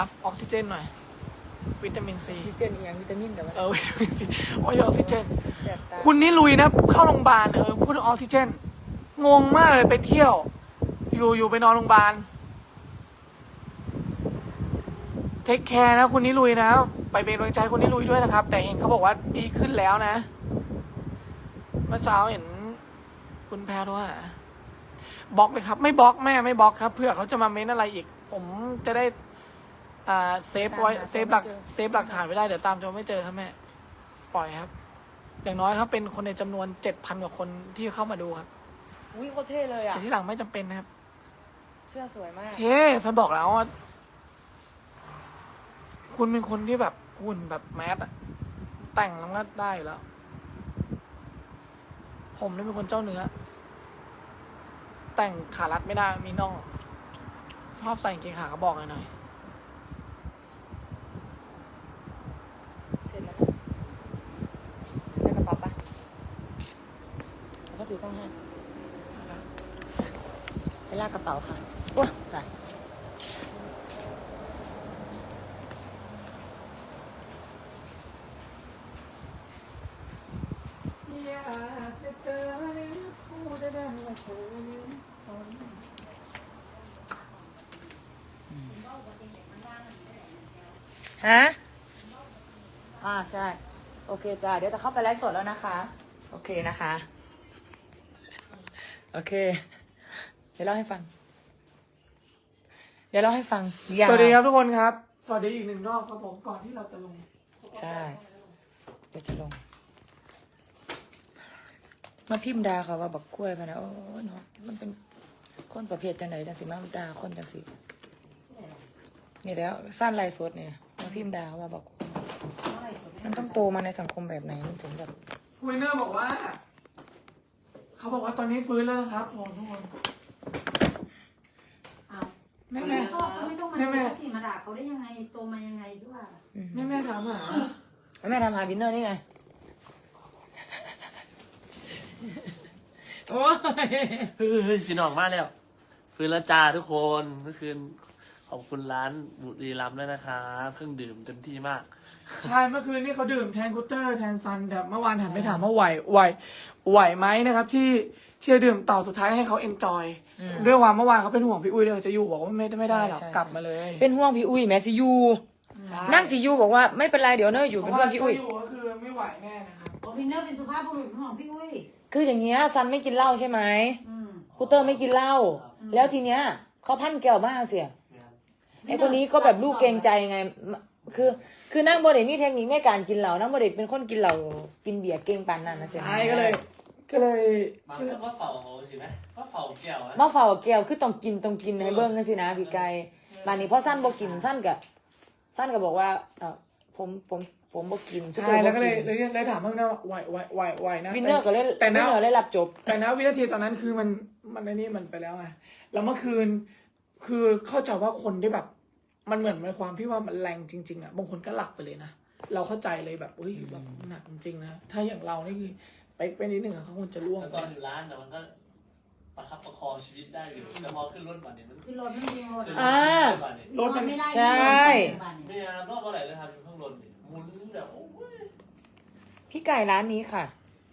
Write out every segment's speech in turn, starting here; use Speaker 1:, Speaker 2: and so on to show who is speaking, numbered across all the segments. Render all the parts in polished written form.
Speaker 1: ออกซิเจนหน่อยวิตามินซี
Speaker 2: ออกซิเจนอีกอย่างวิตามินแต่ว่า
Speaker 1: วิตามินซีโอ้ยออกซิเจน
Speaker 2: แสบตา
Speaker 1: คุณนี่ลุยนะเข้าโรงพยาบาลพูดถึงออกซิเจนงงมากเลยไปเที่ยว อยู่ไปนอนโรงพยาบาลเทคแคร์นะคุณนี่ลุยนะไปเป็นกำลังใจคุณนี่ลุยด้วยนะครับ แต่เห็นเขาบอกว่าดีขึ้นแล้วนะเมื่อเช้าเห็นคุณแพรว่าบล็อกเลยครับไม่บล็อกแม่ไม่บล็อกครับเพื่อเขาจะมาเม้นอะไรอีก ผมจะได้เซฟไว้เซฟหลักฐานไว้ได้เดี๋ยวตามจนไม่เจอครับแม่ปล่อยครับ อย่างน้อยครับเป็นคนในจำนวน 7,000 กว่าคนที่เข้ามาดูครับ
Speaker 2: อุ้ยโคตรเท่เลยอ่ะ
Speaker 1: แต่ที่หลังไม่จำเป็นนะครับ
Speaker 2: เสื้อสวยมาก
Speaker 1: เท่ฉันบอกแล้วว่าคุณเป็นคนที่แบบหุ่นแบบแมสอะแต่งแล้วก็ได้อยู่แล้ว ผมนี่เป็นคนเจ้าเนื้อ แต่งขารัดไม่ได้มีน่องชอบใส่กางเกงขากระบอกหน่อย
Speaker 2: เสร็จแล้วนะได้กระเป๋าปะแล้วก็ถือกล้องให้ไปลากกระเป๋าค่ะว้าไป
Speaker 1: อยากจะเจอผู้ได้ดังว่าเธอนี้คน
Speaker 2: ฮะใช่โอเคจ้าเดี๋ยวจะเข้าไปไลฟ์สดแล้วนะคะโอเคนะคะโอเคเดี๋ยวเล่าให้ฟัง
Speaker 1: สวัสดีครับทุกคนครับ สวัสดีอีกหนึ่งรอบครับผมก่อนที่เราจะลง
Speaker 2: ใช่เดี๋ยวจะลงมาพิมพ์ดาเขาว่าบักกล้วยมานะโอ้เนาะมันเป็นคนประเภทจังไหนจังสิมาดาคนจังสินี่แล้วสั้นลายสดเนี่ยมาพิมพ์ดาว่าบักกล้วยมันต้องโตมาในสังคมแบบไหนมันถึงแบบ
Speaker 1: คุยเนอร์บอกว่า เขาบอกว่าตอนนี้ฟื้นแล้วนะครับผมทุกคน
Speaker 3: อ้าว
Speaker 1: แม่
Speaker 3: ไม่
Speaker 1: แม่
Speaker 3: ชอบเขาไม่ต้องมา
Speaker 1: แม่
Speaker 3: ดูสิมาด่าเขาได้ยังไงโตมายังไงด้วยว่า
Speaker 1: แม่ถามหา
Speaker 2: แม่ทำหาวินเนอร์นี่ไงโอ้ย
Speaker 4: เฮ้ยพี่น้องมาแล้วฟื้นแล้วจ้าทุกคนเมื่อคืนขอบคุณร้านบุรีรัมย์ด้วยนะครับเครื่องดื่มเต็มที่มาก
Speaker 1: ใช่เมื่อคืนนี้เขาดื่มแทนกูเตอร์แทนซันแต่เมื่อวานถามไปถามว่าไหวไหมนะครับ ที่จะดื่มต่อสุดท้ายให้เขาเอนจอยด้วยว่าเมื่อวานเขาเป็นห่วงพี่อุ้ยเลยจะอยู่บอกว่าไม่ได้หรอกกลับมาเลย
Speaker 2: เป็นห่วงพี่อุ้ยแม่สิยู
Speaker 1: ใช่
Speaker 2: นั่งสิยูบอกว่าไม่เป็นไรเดี๋ยวเนออยู่เป็นเพื่อนพี่อุ้ย
Speaker 1: เพราะว่าถ้าอยู่ก็คือไม่ไหวแน่นะครับ
Speaker 3: โอพินเนอร์เป็นสุภาพบุรุษของพี่อุ้ย
Speaker 2: คืออย่างเงี้ยซันไม่กินเหล้าใช่ไหม
Speaker 3: อืม
Speaker 2: คูเตอร์ไม่กินเหล้าแล้วทีเนี้ยเขาพันแก้วมากเสียไอ้คนนี้ก็แบบลูกเกรงใจไงคือนั่งบริเวณมีเทคนิคในการกินเหล้านั่งบริเวณเป็นคนกินเหล้ากินเบียร์เก่งปานนั้นนะเสีย
Speaker 1: ใช่ก็เลย
Speaker 4: มาเพื่อนว่าเฝ้าสิไหมว่าเฝ้าแก้วอะ
Speaker 2: มาเฝ้าแก้วคือต้องกินให้เบิ้งกันสินะพี่ไก่บานนี้พอสั้นบอกินสั้นก็บอกว่าผมบอกกิน
Speaker 1: ใช่แล้วก็เลยถามว่าไหวนะ
Speaker 2: วินเนอร์ก็เลย
Speaker 1: แต่
Speaker 2: วิน
Speaker 1: นะ
Speaker 2: เนอร์ได้รับจบ
Speaker 1: แต่นะวินาทีตอนนั้นคือมันในนี่มันไปแล้วไงแล้วเมื่อคืนคือเข้าใจว่าคนที่แบบ มันเหมือนในความที่ว่ามันแรงจริงๆอ่ะบางคนก็หลับไปเลยนะเราเข้าใจเลยแบบอุ้ยแบบหนักจริงๆนะถ้าอย่างเรานี่คือไปนิดหนึ่งอะเขาคงจะร่วง
Speaker 4: แล้วตอนอยู่ร้านแต่มันก็ประคับประคองชีวิตได้อยู่แต่พอขึ้นรถบัสเนี่ยมัน
Speaker 3: คือรถไม่มีรถ
Speaker 4: ขึ้น
Speaker 2: อ่า
Speaker 4: บัสเนี่ย
Speaker 1: รถมัน
Speaker 3: ไม่ได้
Speaker 2: ใช่
Speaker 4: ไม่ยามรอบเท่าไหร่เลยครับอยู่ข้างบนเนี่ยหมุนแบบโอ้ย
Speaker 2: พี่ไก่ร้านนี้ค่ะ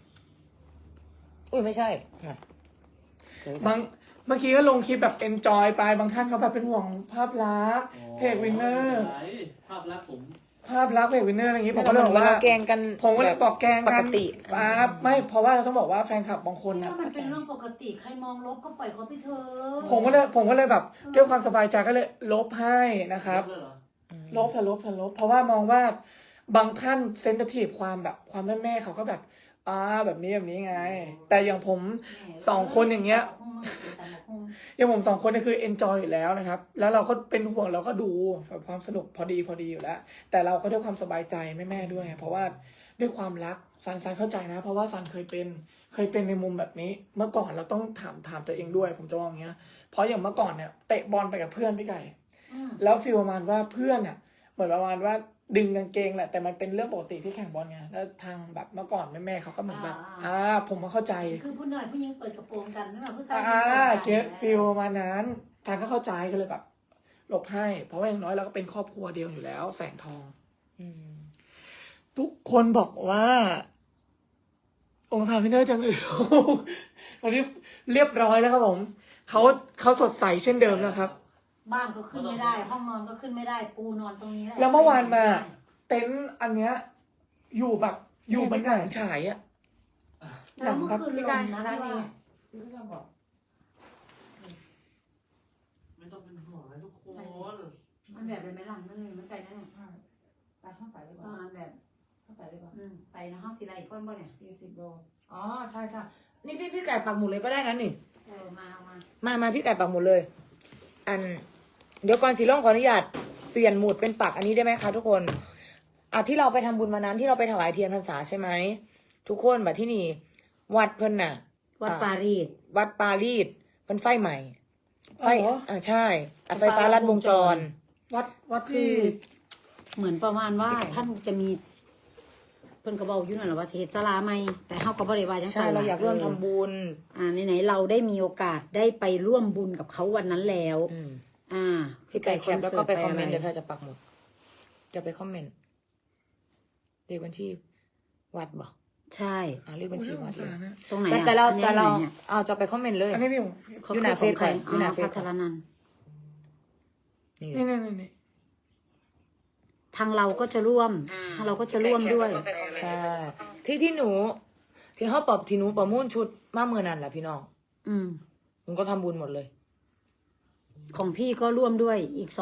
Speaker 2: อุ้ยไม่ใช่ค่ะเสีย
Speaker 1: บางเมื่อกี้ก็ลงคลิปแบบ enjoy ไปบางท่านเขาแบบเป็นห่วงภาพลักษณ์เพจวินเนอร์
Speaker 4: ภาพลักษณ์ผม
Speaker 1: ภาพลักษณ์เพจวินเนอร์อะไรอย่างงี้ผม
Speaker 2: ก็
Speaker 1: ก็เลยบอกว่า
Speaker 2: แกงกัน
Speaker 1: ผมก็เลยบอกแกล้ง
Speaker 2: ป
Speaker 1: กั
Speaker 2: ก
Speaker 1: น
Speaker 2: ติ
Speaker 1: ไม่เพราะว่าเราต้องบอกว่าแฟนคลับบางคนนะ
Speaker 3: ถ้ามันเป็นเรื่องปกติใครมองลบก็ปล่อยเขาไปเถอะ
Speaker 1: ผมก็เลยแบบด้วยความสบายใจก็เลยลบให้นะครับ
Speaker 4: เลยเหรอ
Speaker 1: ลบเพราะว่ามองว่าบางท่านเซนซิทีฟความแบบความแม่เขาก็แบบแบบนี้ไง แต่อย่างผม สองคนอย่างเงี้ย อย่างผมสองคนนี่คือเอนจอยอยู่แล้วนะครับแล้วเราก็เป็นห่วงเราก็ดูแบบความสนุกพอดีอยู่แล้ว แต่เราก็ด้วยความสบายใจแม่ด้วย เพราะว่าด้วยความรักซันเข้าใจนะ เพราะว่าซันเคยเป็นในมุมแบบนี้ เมื่อก่อนเราต้องถามตัวเองด้วย ผมจะมองอย่างเงี้ยเพราะอย่างเมื่อก่อนเนี่ยเตะบอลไปกับเพื่อนพี่ไก่แล้วฟีลประมาณว่าเพื่อนเนี่ยเหมือนประมาณว่าดึงกางเกงแหละแต่มันเป็นเรื่องปกติที่แข่งบอลไงแล้วทางแบบเมื่อก่อนแม่เขาก็เหมือนแบบผมก็เข้าใจ
Speaker 3: คือผู้หน่อยผู้หญิงเปิดกระโปรงกันนั่นแหละผู้ชาย
Speaker 1: เก็ตฟิลมานั้นทางก็เข้าใจกันเลยแบบลบให้ เพราะว่าอย่างน้อยเราก็เป็นครอบครัวเดียวอยู่แล้ว แสงทอง
Speaker 2: อืม
Speaker 1: ทุกคนบอกว่า องค์ทานพี่เนอร์จังเลย ตอนนี้เรียบร้อยแล้วครับผมเขาสดใสเช่นเดิมแล้วครับ
Speaker 3: บ้านก็ขึ้นไม่ได้ ห้องนอนก็ขึ้นไม่ได้ ปูนอนตรงนี้หะ
Speaker 1: แล้วเมื่อวานมา เต็นท์อันเนี้ย อยู่แบบอยู่เหมือนหนังฉายอะ
Speaker 3: แล้วเมื่อคืนลมนะพี่ว่า
Speaker 2: พี่ก็ชอบบอก
Speaker 4: ไม่ต้องเป็นห่วงนะทุกคน
Speaker 3: มันแบบเลยไหมล่ะมันเลยไม่ไกลนะเนี่ย
Speaker 2: ไปห้องไปดีก
Speaker 3: ป
Speaker 2: ว่า
Speaker 3: ระมาณแบบ
Speaker 2: ห้องไปดีกว่า
Speaker 3: ไปนะห้องศิลาอีกคนบ่เนี่ย
Speaker 2: 40 โล อ๋อ ใช่ใช่นี่พี่ไก่ปักหมุดเลยก็ได้นะนี่
Speaker 3: มาเอามา
Speaker 2: มาพี่ไก่ปักหมุดเลย เดี๋ยวก่อนสีร่องขออนุญาตเปลี่ยนหมุดเป็นปักอันนี้ได้ไหมคะทุกคนที่เราไปทำบุญมานั้นที่เราไปถวายเทียนพรรษาใช่ไหมทุกคนแบบที่นี่ วัดเพิ่นน่ะ
Speaker 3: วัดปารีส
Speaker 2: วัดปารีสเป็นไฟใหม่ ไฟ
Speaker 1: อ๋อเหรอ
Speaker 2: ใช่ไฟฟ้าลัดวงจร
Speaker 1: วัด
Speaker 3: คื
Speaker 1: ที่
Speaker 3: อ เหมือนประมาณว่าท่านจะมี เพิ่นก็บอกอยู่นั่นแหละว่าสิเฮ็ดศาลาใหม่แต่เฮาก็บ่ได้ว่าจัง
Speaker 2: ใช่
Speaker 3: ซั่น
Speaker 2: เราอยากร่วมทำบุญ
Speaker 3: ไหนๆเราได้มีโอกาสได้ไปร่วมบุญกับเขาวันนั้นแล้ว
Speaker 2: พี่ไก่แคปแล้วก็ไปคอมเมนต์
Speaker 3: เดี๋
Speaker 2: เดี๋ยวเราจะปักหมุดจะไปคอมเมนต์เลขบัญชีวัดบ่
Speaker 3: ใช่
Speaker 2: เลขบัญชีวัดเลย
Speaker 3: ตรงไหน
Speaker 2: แต่เรา
Speaker 3: อันนี้ไหนนี่ย
Speaker 2: จะไปคอมเมนต์เลย
Speaker 1: อันนี้พี่ผม
Speaker 3: เขา
Speaker 2: อยู่หน้า
Speaker 3: คือของใคร
Speaker 2: เฟซอยู่หน้าเฟซ
Speaker 3: พัทรนันท์
Speaker 2: นี่
Speaker 1: นี่
Speaker 3: ทางเราก็จะร่วมทางเราก็จะร่วมด้วย
Speaker 2: ใช่ที่หนูที่เขาปรับที่หนูประมูลชุดมาเมื่อนั้นแหละพี่น้อง หนูก็ทำบุญหมดเลย
Speaker 3: ของพี่ก็ร่วมด้วยอีก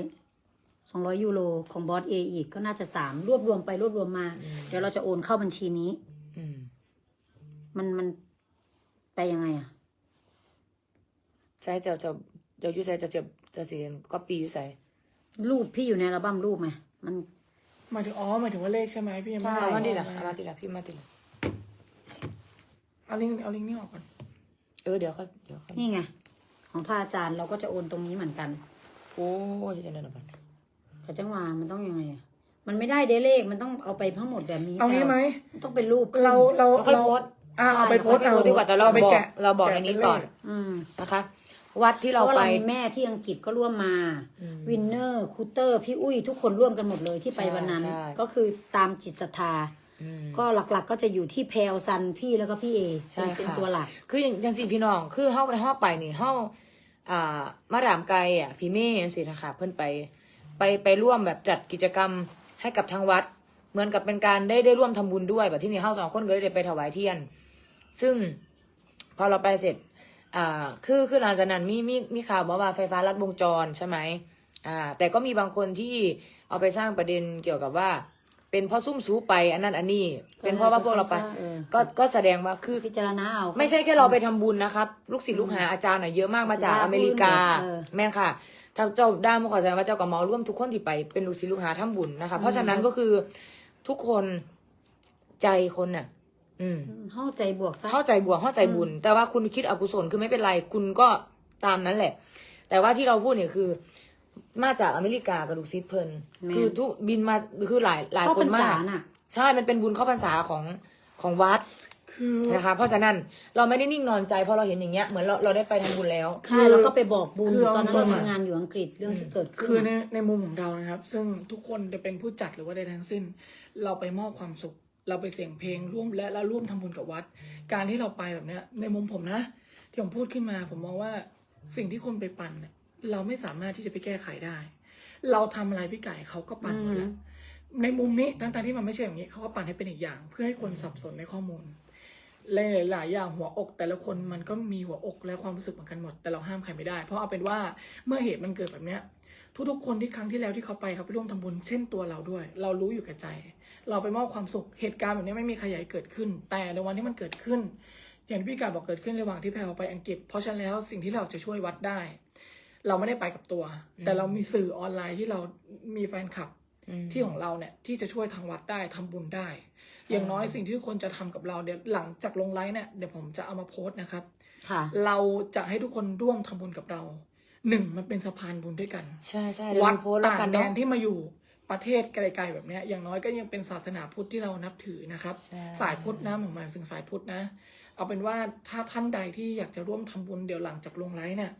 Speaker 3: 200 ยูโรของบอสเออีกก็น่าจะ3รวบรวมไปรวบรวมมา เดี๋ยวเราจะโอนเข้าบัญชีนี้
Speaker 2: อืม
Speaker 3: มันไปยังไงอ่ะ
Speaker 2: ใช่จะยุ่ใส่จะเสียนก็ปียุ่ใส่
Speaker 3: รูปพี่อยู่ในอัลบั้มรูปไหมมัน
Speaker 1: หมายถึงว่าเลขใช่ไหมพี่ยังไม่
Speaker 3: ใช่
Speaker 1: ได้
Speaker 2: เอามาดิ
Speaker 1: อ
Speaker 2: ละ
Speaker 1: อก
Speaker 2: เอามาดิละพี่มาดิละ
Speaker 1: เอาลิงก์นี่ออกก่อน
Speaker 2: เดี๋ยวค่อย
Speaker 3: นี่ไง ของพระอาจารย์เราก็จะโอนตรงนี้เหมือนกัน
Speaker 2: โอ้ยจะเดินออกไป
Speaker 3: เขาจังหวะมันต้องยังไงอ่ะมันไม่ได้เดเลขมันต้องเอาไปทั้งหมดแบบนี้
Speaker 1: เอางี้ไหม
Speaker 3: มันต้องเป็นรูปขึ้น
Speaker 1: เรา
Speaker 2: ค่อยโพสต์
Speaker 1: เอาไปโพสต์
Speaker 2: เอาดีกว่าแต่เรา
Speaker 1: ไป
Speaker 2: บอก
Speaker 1: แกะ
Speaker 2: เราบอกในนี้ก่อน
Speaker 3: อืม
Speaker 2: นะคะ วัดที่
Speaker 3: เพ
Speaker 2: เรา
Speaker 3: ราะว่า
Speaker 2: ไป
Speaker 3: เรามีแม่ที่อังกฤษก็ร่วมมา วินเนอร์คูเตอร์พี่อุ้ยทุกคนร่วมกันหมดเลยที่ไปวันนั้น
Speaker 2: ใช่
Speaker 3: ก็คือตามจิตศรัทธา
Speaker 2: อืม
Speaker 3: ก็หลักๆก็จะอยู่ที่แพลซันพี่แล้วก็พี่เอ
Speaker 2: ใช่
Speaker 3: เป็น
Speaker 2: ค่ะ
Speaker 3: ตัวหลัก
Speaker 2: คืออย่างสี่พี่น้องคือเฮาไปนี่เฮามาดามไกลพี่เมย์สินะคะเพิ่นไปร่วมแบบจัดกิจกรรมให้กับทางวัด เหมือนกับเป็นการได้ร่วมทำบุญด้วยแบบที่นี่เฮา2 คนก็ได้ไปถวายเทียน ซึ่งพอเราไปเสร็จคือหลังจากนั้นมีข่าวว่าไฟฟ้าลัดวงจรใช่ไหมแต่ก็มีบางคนที่เอาไปสร้างประเด็นเกี่ยวกับว่า เป็นเพราะซุ่มซูไปอันนั้นอันนี้ เป็นเพราะว่าพวกเราไป ก็แสดงว่าคือ
Speaker 3: พิจารณาเอา
Speaker 2: ไม่ใช่แค่เราไปทำบุญนะครับ ลูกศิษย์ลูกหาอาจารย์เยอะมากมาจากอเมริกา แม่นค่ะทางเจ้าด้ามขอแสดงว่าเจ้ากับหมอร่วมทุกคนที่ไปเป็นลูกศิษย์ลูกหาทำบุญนะคะเพราะฉะนั้นก็คือทุกคนใจคนน่ะ
Speaker 3: เข้าใจบวกซะ
Speaker 2: เข้าใจบวกเข้าใจบุญ แต่ว่าคุณคิดอกุศลคือไม่เป็นไร คุณก็ตามนั้นแหละ แต่ว่าที่เราพูดเนี่ยคือ มาจากอเมริกากับลูกศิษย์เพิ่นคือทุกบินมาคือหลายคนมากใช่มันเป็นบุญเข้าพรรษาของวัด
Speaker 1: คือ
Speaker 2: นะคะเพราะฉะนั้นเราไม่ได้นิ่งนอนใจเพราะเราเห็นอย่างเงี้ยเหมือนเราได้ไปทำบุญแล้ว
Speaker 3: ใช่แล้วก็ไปบอกบุญตอนนั้นเราทำงานอยู่อังกฤษเรื่องที่เกิดขึ้น
Speaker 1: คือในมุมของเรานะครับ ซึ่งทุกคนจะเป็นผู้จัดหรือว่าใดทั้งสิ้น เราไปมอบความสุข เราไปเสียงเพลงร่วมและร่วมทำบุญกับวัด การที่เราไปแบบเนี้ยในมุมผมนะที่ผมพูดขึ้นมาผมมองว่าสิ่งที่คนไปปั่นเนี่ยเราไม่สามารถที่จะไปแก้ไขได้ เราทำอะไรพี่ไก่เขาก็ปั่นหมดแล้วในมุมนี้ตั้งที่มันไม่ใช่อย่างนี้เขาก็ปั่นให้เป็นอีกอย่าง เพื่อให้คนสับสนในข้อมูลหลายอย่างหัวอกแต่ละคนมันก็มีหัวอกและความรู้สึกเหมือนกันหมดแต่เราห้ามใครไม่ได้เพราะเอาเป็นว่าเมื่อเหตุมันเกิดแบบเนี้ยทุกๆคนที่ครั้งที่แล้วที่เขาไปเขาไปร่วมทำบุญเช่นตัวเราด้วย เรารู้อยู่แก่ใจ เราไปมอบความสุขเหตุการณ์แบบนี้ไม่มีใครอยากให้เกิดขึ้น แต่ในวันที่มันเกิดขึ้น อย่างที่พี่กาบอกเกิดขึ้นระหว่างที่แพลไปอังกฤษเพราะฉะนั้นแล้วสิ่งที่เราจะช่วยวัดได้ เราไม่ได้ไปกับตัว แต่เรามีสื่อออนไลน์ที่เรามีแฟนคลับที่ของเราเนี่ยที่จะช่วยทางวัดได้ทำบุญได้ อย่างน้อยสิ่งที่ทุกคนจะทำกับเราเดี๋ยวหลังจากลงไลฟ์เนี่ยเดี๋ยวผมจะเอามาโพสต์นะครับ
Speaker 3: ค่ะ
Speaker 1: เราจะให้ทุกคนร่วมทำบุญกับเรามันเป็นสะพานบุญด้วยกัน
Speaker 2: ใช่ใช่
Speaker 1: วัด
Speaker 2: โพสต์แล้ว
Speaker 1: ต่าง
Speaker 2: กัน
Speaker 1: แด
Speaker 2: เนาะ
Speaker 1: นที่มาอยู่ประเทศไกลๆแบบเนี้ยอย่างน้อยก็ยังเป็นศาสนาพุทธที่เรานับถือนะครับ
Speaker 2: ใช่
Speaker 1: สายพุทธนะหมายถึงสายพุทธนะ เอาเป็นว่าถ้าท่านใดที่อยากจะร่วมทำบุญเดี๋ยวหลังจากลงไลฟ์เนี่ย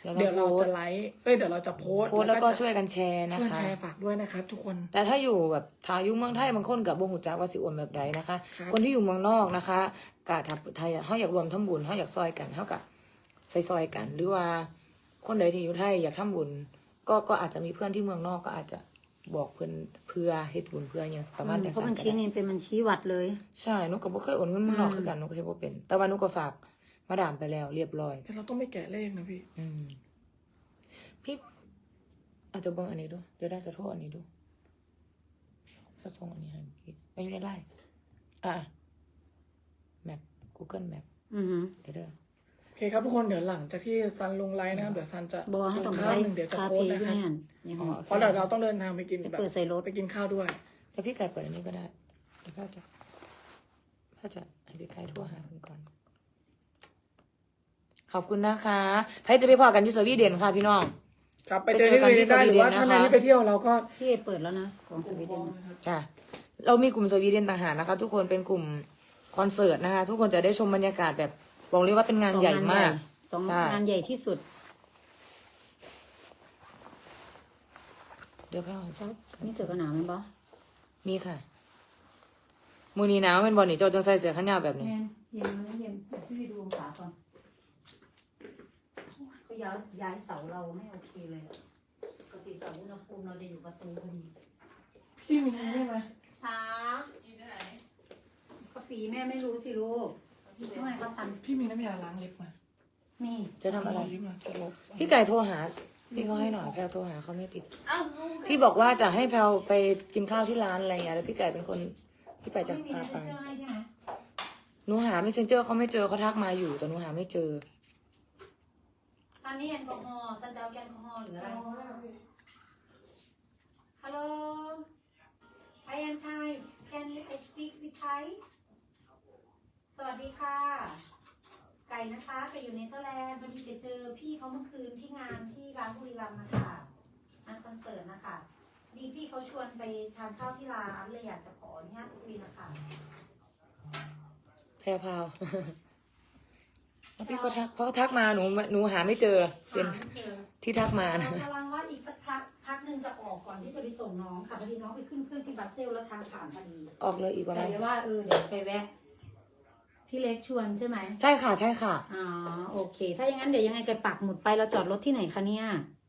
Speaker 1: เดี๋ยวเราจะไลฟ์เดี๋ยวเราจะโพสต์
Speaker 2: โพสต์แล้วก็ช่วยกันแชร์นะ
Speaker 1: ช่วย
Speaker 2: คะ
Speaker 1: แชร์ฝากด้วยนะครับทุกคน
Speaker 2: แต่ถ้าอยู่แบบถ้าอยู่เมืองไทยบางคนกับบงหูจักว่าสิโอนแบบใดนะคะ
Speaker 1: ครับ
Speaker 2: คนที่อยู่เมืองนอกนะคะกะถ้าไทยเขาอยากรวมทำบุญเขาอยากซอยกันเขากับซอยกัน หรือว่าคนใดที่อยู่ไทยอยากทำบุญก็อาจจะมีเพื่อนที่เมืองนอกก็อาจจะบอกเพื่อเฮ็ดบุญเพื่ออย่างประมาณ
Speaker 3: เพราะบัญชีนี้เป็นบัญชีวัดเลย
Speaker 2: ใช่หนูก็บ่เคยโอนเงินเมืองนอกคือกันหนูก็เฮ็ดบ่เป็น แต่ว่าหนูก็ฝากมาดามไปแล้วเรียบร้อย
Speaker 1: แต่เราต้องไม่แกะเลขนะพี่
Speaker 2: พี่อาจจะเบิ่งอันนี้ดูเดี๋ยวได้จะโทษอันนี้ดูถ้าส่งอันนี้ให้พี่ไม่อยู่ในไลน์แมป Google Map
Speaker 3: อือหือ
Speaker 2: เดี๋ยวเด้อ
Speaker 1: โอเคครับทุกคนเดี๋ยวหลังจากที่ซันลงไลน์นะครับเดี๋ยวซันจะ
Speaker 3: บอกให้ต้อง
Speaker 1: ข้า
Speaker 3: ใส่
Speaker 1: วหนึ่งเดี๋ยวจะ
Speaker 3: คา
Speaker 1: โพส
Speaker 3: เฟ่
Speaker 1: ต์นะ
Speaker 3: ด้
Speaker 1: คว รับ
Speaker 3: ยอย่างนี้
Speaker 1: เพราะเดี๋ยวเราต้องเดินทางไปกินแบบ
Speaker 3: เปิดใส่รถ
Speaker 1: ไปกินข้าวด้วย
Speaker 2: แล้วพี่ไก่เปิดอันนี้ก็ได้แล้วพ่อจะให้พี่ไก่ทั่วหาคุณก่อนขอบคุณนะคะใครจะไปพอกันที่สวีเดนค่ะพี่น้อง
Speaker 1: ครับไปเจอที่อื่นได้หรือว่าท่านใดที่ไปเที่ยวเราก็
Speaker 3: พี่เอเปิดแล้วนะของสวีเดน
Speaker 2: จ้ะเรามีกลุ่มสวีเดนต่างหากนะคะ ทุกคนเป็นกลุ่มคอนเสิร์ตนะคะ ทุกคนจะได้ชมบรรยากาศแบบบอกเลยว่าเป็นงานใหญ่มาก
Speaker 3: สอง
Speaker 2: ใช่
Speaker 3: งานใหญ่ที่สุด
Speaker 2: เดี๋ยวเข้า
Speaker 3: นี่เสือกันหนาวไหมบอ
Speaker 2: มีค่ะมือนี้หนาวเป็นบอลนี่โจจังใส่เสื้อขนยาวแบบนี้
Speaker 3: เย็นเย็นนะเย็นพี่ไปดูองศาก่อนเขาย้ายเสาเราไม่โอเคเลยปกติเสาอุณหภูมิเราจะอยู่ประตูพอดี
Speaker 1: พี่มีได้ไหม
Speaker 3: ช้าก็ปีแม่ไม่รู้สิลูกทำไมเขาสั่น
Speaker 1: พี่มีน้ำยาล้างเล็บมา
Speaker 3: มี
Speaker 2: จะทำอะไร
Speaker 1: ลิปมาจะลบ
Speaker 2: พี่ไก่โทรหาพี่เขาให้หน่อยแพลวโทรหาเขาไม่ติดพี่บอกว่าจะให้แพลวไปกินข้าวที่ร้านอะไรอย่างเงี้ยแล้วพี่ไก่เป็นคนพี่ไปจะ
Speaker 3: ไม่มี
Speaker 2: พา
Speaker 3: เมส
Speaker 2: ไป
Speaker 3: เซนเจอร์ให้ใช่ไหม
Speaker 2: หนูหาไม่เซนเจอร์เขาไม่เจอเขาทักมาอยู่แต่หนูหาไม่เจอ
Speaker 3: ซันนี่แอลกอฮอล์ซันจะเอาแอลกอฮอล์หรืออะไร Hello I am Thai Can I speak with Thai สวัสดีค่ะ ไก่นะคะไก่อยู่เนเธอร์แลนด์พอดีไปเจอพี่เขาเมื่อคืนที่งานที่ร้านบุรีรัมย์นะคะงานคอนเสิร์ตนะคะพอดีพี่เขาชวนไปทานข้าวที่ร้านเลยอยากจะขออนุญาตคุยนะคะ
Speaker 2: แพรวพราว แล้วพี่ก็ทักเพราะทักมาหนูหาไม่เจอเป็น
Speaker 3: หาไม่เจอ
Speaker 2: ที่ทักมานะ
Speaker 3: เรากำลังว่าอีกสักพักหนึ่งจะออกก่อนที่จะไปส่งน้องค่ะพอดีน้องไปขึ้นเครื่องที่บัสเซลแล้วทางผ่านพอดี
Speaker 2: ออกเลยอีกประ
Speaker 3: แต่
Speaker 2: มาณ
Speaker 3: เดี๋ยวว่าเดี๋ยวไปแวะ พี่เล็กชวนใช่ไหม
Speaker 2: ใช่ค่ะใช่ค่ะ
Speaker 3: อ๋อโอเค ถ้าอย่างนั้นเดี๋ยวยังไงแกปักหมุดไปเราจอดรถที่ไหนคะเนี่ย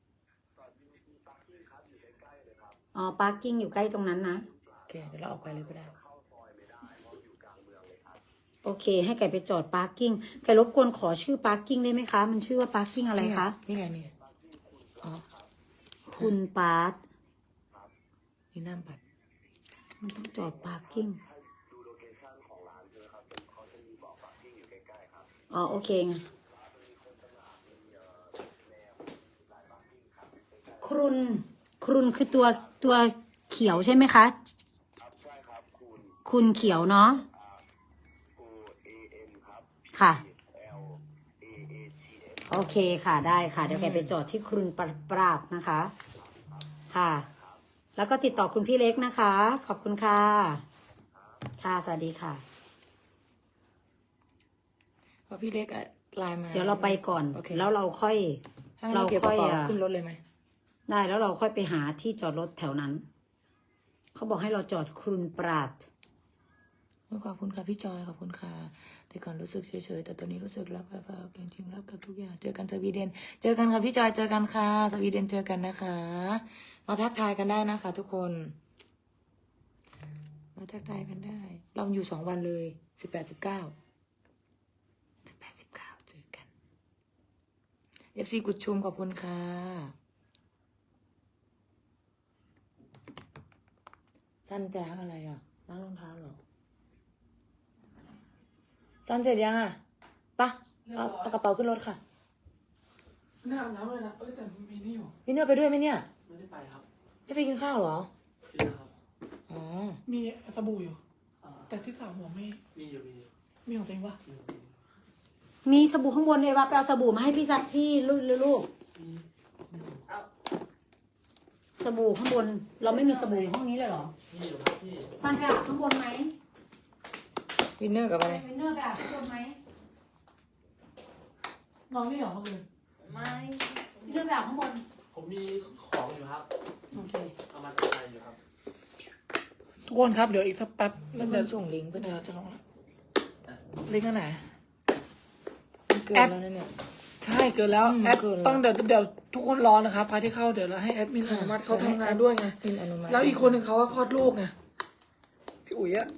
Speaker 3: อ๋อพาร์กิ้งอยู่ใกล้ตรงนั้นนะ
Speaker 2: โอเคเดี๋ยวเราออกไปเลยก็ได้
Speaker 3: โอเค ให้ไก่ไปจอดพาร์กิ้งไก่รบกวนขอชื่อพาร์กิ้งได้ไหมคะ มันชื่อว่าพาร์กิ้งอะไรคะ
Speaker 2: นี่ไงนี่ไงอ๋อ
Speaker 3: คุณปาร์ต
Speaker 2: นี่น้ำบัตร
Speaker 3: มันต้องจอดพาร์กิ้งอ๋อโอเคไงครุนคือตัวเขียวใช่ไหมคะคุณเขียวเนาะค่ะ โอเคค่ะได้ค่ะ เดี๋ยวแกไปจอดที่ครุนปราดนะคะ ค่ะ แล้วก็ติดต่อคุณพี่เล็กนะคะ ขอบคุณค่ะ ค่ะ สวัสดีค่ะ
Speaker 2: เพราะพี่เล็กอะไลน์มา
Speaker 3: เดี๋ยวเราไปก่อน
Speaker 2: โอเค
Speaker 3: แล้วเราค่อย
Speaker 2: ถ้างั้นเราเก็บกระเป๋าขึ้นรถเลยไหม
Speaker 3: ได้แล้วเราค่อยไปหาที่จอดรถแถวนั้น เขาบอกให้เราจอดครุนปราด
Speaker 2: ขอบคุณค่ะพี่จอยขอบคุณค่ะแต่ก่อนรู้สึกเฉยๆแต่ตอนนี้รู้สึกรักแบบจริงๆรักกับทุกอย่างเจอกันสวีเดน เจอกันค่ะพี่จอยเจอกันค่ะสวีเดนเจอกันนะคะ มาทักทายกันได้นะคะ ทุกคนมาทักทายกันได้ เราอยู่2 วันเลย18-19เจอกัน FC กุดชุมขอบคุณค่ะสั้นจะล้างอะไรอ่ะล้างรองเท้าเหรอสั้นเสร็จยังอ่ะปะเอากระเป๋าขึ้นรถค่ะ
Speaker 1: หน้าอาบน้ำเลยนะแต่มีนี่อยู่
Speaker 2: พี่เนื้อไปด้วยไหมเนี่ย
Speaker 4: ไม่ได้ไปครับ
Speaker 2: ไม่ไปกินข้าวเหรอ
Speaker 4: กินแล้วครับ
Speaker 2: อ๋อ
Speaker 1: มีสบู่อยู่
Speaker 4: อ่า
Speaker 1: แต่ที่สาวหัวไม่
Speaker 4: มีอยู่
Speaker 1: มีของตัวเองปะ
Speaker 3: มีสบู่ข้างบนเลยว่าไปเอาสบู่มาให้พี่ซักพี่ลูกสบู่ข้างบน เราไม่มีสบู่ห้องนี้เลยเหรอ
Speaker 4: มีอยู่ครับพี่
Speaker 3: ซันไปอาบข้างบนไหม
Speaker 2: วินเนอร์กับอะไร
Speaker 3: วินเนอร์ไปอาบข้างบนไหม
Speaker 1: น้องนี่เหรอเมื่อคืน
Speaker 2: ไม่
Speaker 3: เรื่องแบบข้างบน
Speaker 4: ผมมีของอยู่ครับ
Speaker 3: โอเค
Speaker 4: เอามาจากไทยอยู่ครับ
Speaker 1: ทุกคนครับเดี๋ยวอีกสักแป๊บ
Speaker 2: เพื่
Speaker 1: เดี๋ยว
Speaker 2: อนส่งลิงก์ไป
Speaker 1: เดี๋
Speaker 2: นะ
Speaker 1: ยวจะลงแล้วลิงก์อันไหน
Speaker 2: เกินแล้วนะเนี่ย
Speaker 1: ใช่เกินแล้ว
Speaker 2: อืม
Speaker 1: แอด
Speaker 2: เกินแล้ว
Speaker 1: ต้องเดี๋ยวทุกคนรอนะครับใครที่เข้าเดี๋ยวเราให้แอดมินอนุมัติเขาทำงานด้วยไง
Speaker 2: พิมพ์อนุมัติ
Speaker 1: แล้วอีกคนหนึ่งเขาว่าคลอดลูกไงพี่อุ๋ยอะ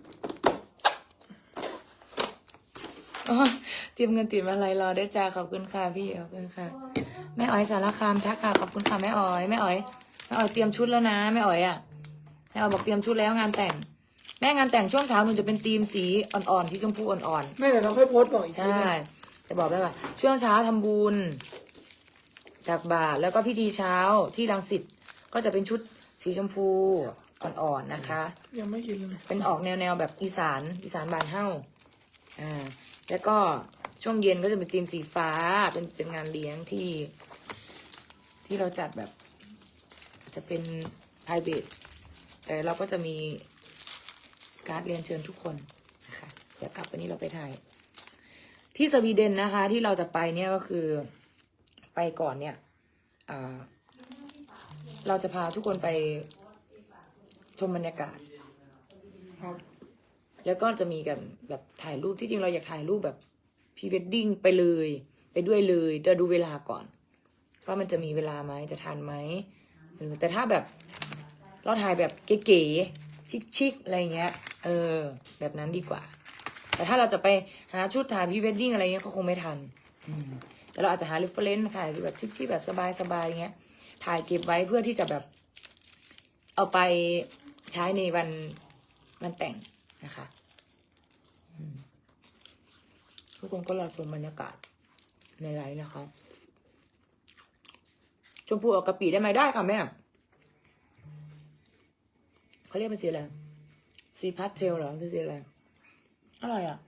Speaker 2: อ๋อเตรียมเงินติดมาลัยรอได้จ้าขอบคุณค่ะพี่ขอบคุณค่ะแม่อ๋อยสารคามทักค่ะขอบคุณค่ะแม่อ๋อยแม่อ๋อยเตรียมชุดแล้วนะแม่อ๋อยอ่ะแม่อ๋อยบอกเตรียมชุดแล้วงานแต่ง แม่งานแต่งช่วงเช้าหนูจะเป็นธีมสีอ่อนๆสีชมพูอ่อนๆ
Speaker 1: ไม่แต่เราค่อยโพสต์บอกอีกที
Speaker 2: ใช่
Speaker 1: นะ
Speaker 2: จะบอกได้ว่าช่วงเช้าทำบุญตักบาตรแล้วก็พิธีเช้าที่รังสิตก็จะเป็นชุดสีชมพูอ่อนๆนะคะ
Speaker 1: ยังไม่กินเลย
Speaker 2: เป็นออกแนวแบบอีสานบานเฮ้าแล้วก็ช่วงเย็นก็จะเป็นธีมสีฟ้าเป็นงานเลี้ยงที่เราจัดแบบ จะเป็น private แต่เราก็จะมีการ์ดเรียนเชิญทุกคนนะคะเดี๋ยวกลับวันนี้เราไปถ่าย ที่สวีเดนนะคะ ที่เราจะไปเนี่ยก็คือไปก่อนเนี่ยเราจะพาทุกคนไปชมบรรยากาศ
Speaker 1: ครับ
Speaker 2: แล้วก็จะมีกันแบบถ่ายรูปที่จริงเราอยากถ่ายรูปแบบพรีเวดดิ้งไปเลยไปด้วยเลยเดี๋ยวดูเวลาก่อนว่ามันจะมีเวลาไหมจะทันไหมแต่ถ้าแบบเราถ่ายแบบเก๋ๆชิคๆอะไรเงี้ยแบบนั้นดีกว่า แต่ถ้าเราจะไปหาชุดถ่ายพรีเวดดิ้งอะไรเงี้ยก็คงไม่ทันแต่เราอาจจะหาเรฟเฟรนซ์ถ่ายแบบชิคๆแบบสบายๆเงี้ยถ่ายเก็บไว้เพื่อที่จะแบบเอาไปใช้ในวันแต่งนะคะทุกคนก็รอชมบรรยากาศในไลฟ์นะคะชมพูออกกะปิได้ไหมได้ค่ะแม่เขาเรียกเป็นสีอะไรสีพาสเทลเหรอคือสีอะไรอร่อยอ่ะ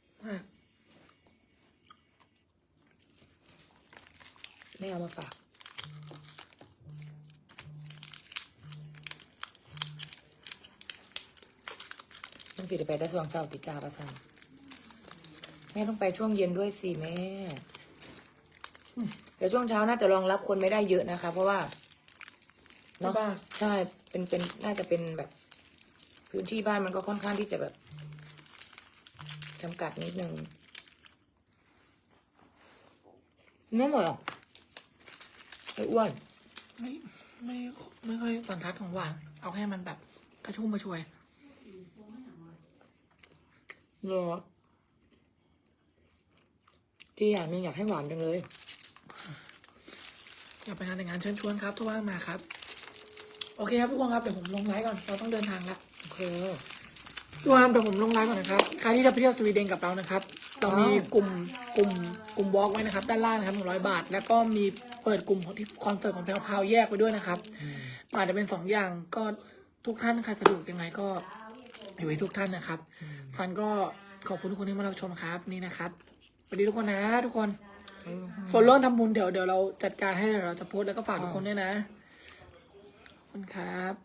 Speaker 2: แม่เอามาฝากต้องสิเดี๋ยวไปได้สว่างเศร้าติดจาประสันแม่ต้องไปช่วงเย็นด้วยสิแม่แต่ช่วงเช้าน่าจะรองรับคนไม่ได้เยอะนะคะ เพราะว่าเนาะใช่เป็นน่าจะเป็นแบบ พื้นที่บ้านมันก็ค่อนข้างที่จะแบบจำกัดนิดนึงไม่หมดหรอกไอ้อ้วน
Speaker 1: ไม่ค่อยสันทัดของหวานเอาแค่มันแบบกระชุ่มกระชวย
Speaker 2: เหรอที่อย่างหนึงอยากให้หวานจังเลย
Speaker 1: อยากไปงานแต่งงานเชิญชวนครับทุกว่างมาครับโอเคครับทุกคนครับเดี๋ยวผมลงไลฟ์ก่อนเราต้องเดินทางแล้ว
Speaker 2: โอเค
Speaker 1: ทุกคนครับเดี๋ยวผมลงไลฟ์ก่อนนะครับใครที่จะไปเที่ยวสวีเดนกับเรานะครับเรามีกลุ่มวอล์กไว้นะครับด้านล่างนะครับ100 บาท แล้วก็มีเปิดกลุ่มของที่คอนเสิร์ตของแพรวพราวแยกไปด้วยนะครับอาจจะเป็น2 อย่างก็ทุกท่านใครสะดวกยังไงก็อยู่ให้ทุกท่านนะครับซันก็ขอบคุณทุกคนที่มารับชมครับนี่นะครับสวัสดีทุกคนนะทุกคนส่วนเรื่องทำบุญเดี๋ยวเราจัดการให้เดี๋ยวเราจะโพสต์แล้วก็ฝากทุกคนด้วยนะขอบคุณครับ